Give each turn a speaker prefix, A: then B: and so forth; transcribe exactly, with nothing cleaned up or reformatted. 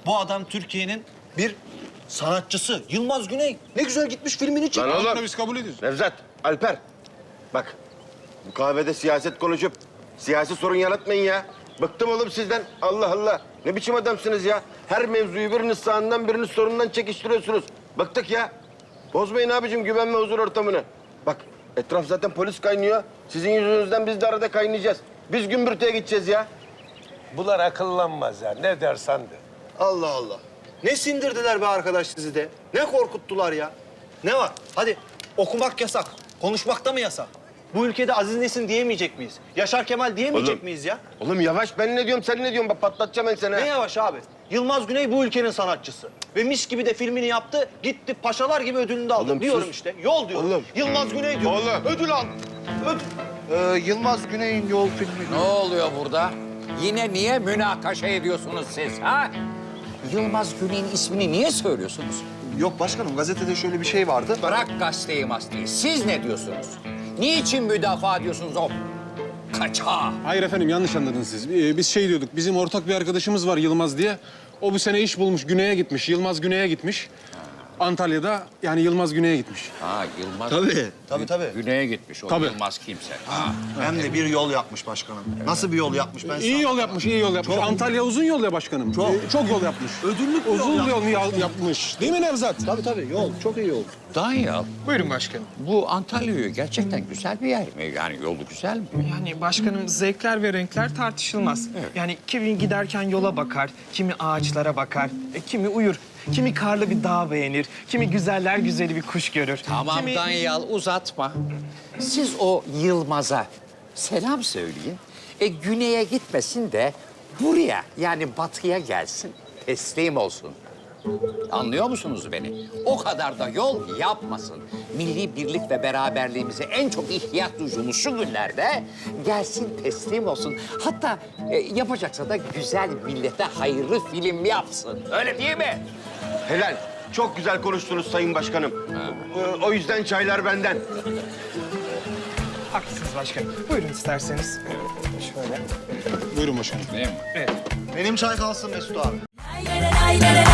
A: Bu adam Türkiye'nin bir sanatçısı. Yılmaz Güney. Ne güzel gitmiş filmini çekmiş.
B: Lan oğlum.
C: Bunu biz kabul ediyoruz.
B: Nevzat, Alper. Bak, bu kahvede siyaset konuşup siyasi sorun yaratmayın ya. Bıktım oğlum sizden. Allah Allah. Ne biçim adamsınız ya? Her mevzuyu biriniz sağından biriniz solundan çekiştiriyorsunuz. Bıktık ya. Bozmayın abicim güven ve huzur ortamını. Bak, etraf zaten polis kaynıyor. Sizin yüzünüzden biz de arada kaynayacağız. Biz gümbürtüye gideceğiz ya.
D: Bunlar akıllanmaz ya. Ne dersen de.
A: Allah Allah. Ne sindirdiler be arkadaş sizi de? Ne korkuttular ya? Ne var? Hadi okumak yasak. Konuşmak da mı yasak? Bu ülkede Aziz Nesin diyemeyecek miyiz? Yaşar Kemal diyemeyecek
B: Oğlum.
A: miyiz ya?
B: Oğlum yavaş, ben ne diyorum, sen ne diyorsun? Bak patlatacağım ben seni.
A: Ne
B: ha.
A: yavaş abi? Yılmaz Güney bu ülkenin sanatçısı. Ve mis gibi de filmini yaptı. Gitti paşalar gibi ödülünü de aldı.
B: Oğlum,
A: diyorum
B: sus.
A: işte. Yol diyorum.
B: Oğlum.
A: Yılmaz Güney diyorum.
B: Oğlum.
A: Ödül al. Ödül.
E: Ee, Yılmaz Güney'in Yol filmi.
F: Ne oluyor burada? Yine niye münakaşa ediyorsunuz siz ha? Yılmaz Güney'in ismini niye söylüyorsunuz?
E: Yok başkanım, gazetede şöyle bir şey vardı.
F: Bırak gazeteyi masteyi. Siz ne diyorsunuz? Niçin müdafaa ediyorsunuz o kaçağı?
C: Hayır efendim yanlış anladınız siz. Ee, Biz şey diyorduk, bizim ortak bir arkadaşımız var Yılmaz diye. O bu sene iş bulmuş, Güney'e gitmiş. Yılmaz Güney'e gitmiş. Antalya'da yani Yılmaz Güney'e gitmiş.
F: Ha Yılmaz
A: Tabii. Tabii tabii.
F: Güney'e gitmiş. O
C: Tabii.
F: Yılmaz kimse. Ha.
A: Hem de bir yol yapmış başkanım. Nasıl bir yol yapmış ben
C: İyi
A: sana-
C: yol yapmış, iyi yol yapmış. Antalya uzun yol ya başkanım.
A: Çok.
C: Ee, çok yol yapmış.
A: Ödüllük bir yol
C: Uzun
A: yapmış.
C: yol yol yapmış. Değil mi Nevzat?
A: Tabii tabii yol. Çok iyi yol.
F: Danyal,
G: Buyurun başkanım.
F: bu Antalya gerçekten güzel bir yer mi? Yani yolu güzel mi?
G: Yani başkanım zevkler ve renkler tartışılmaz. Yani kimi giderken yola bakar, kimi ağaçlara bakar, e, kimi uyur, kimi karlı bir dağ beğenir, kimi güzeller güzeli bir kuş görür.
F: Tamam
G: kimi...
F: Danyal uzatma. Siz o Yılmaz'a selam söyleyin. E güneye gitmesin de buraya yani batıya gelsin. Teslim olsun. Anlıyor musunuz beni? O kadar da yol yapmasın. Milli birlik ve beraberliğimize en çok ihtiyaç duyduğumuz şu günlerde gelsin teslim olsun. Hatta e, yapacaksa da güzel millete hayırlı film yapsın. Öyle değil mi?
B: Helal. Çok güzel konuştunuz Sayın Başkanım. Ee, O yüzden çaylar benden.
G: Haklısınız başkanım. Buyurun isterseniz. Şöyle.
C: Buyurun başkanım.
F: Değil mi?
G: Evet.
A: Benim çay kalsın Mesut abi.
H: Lay lay lay lay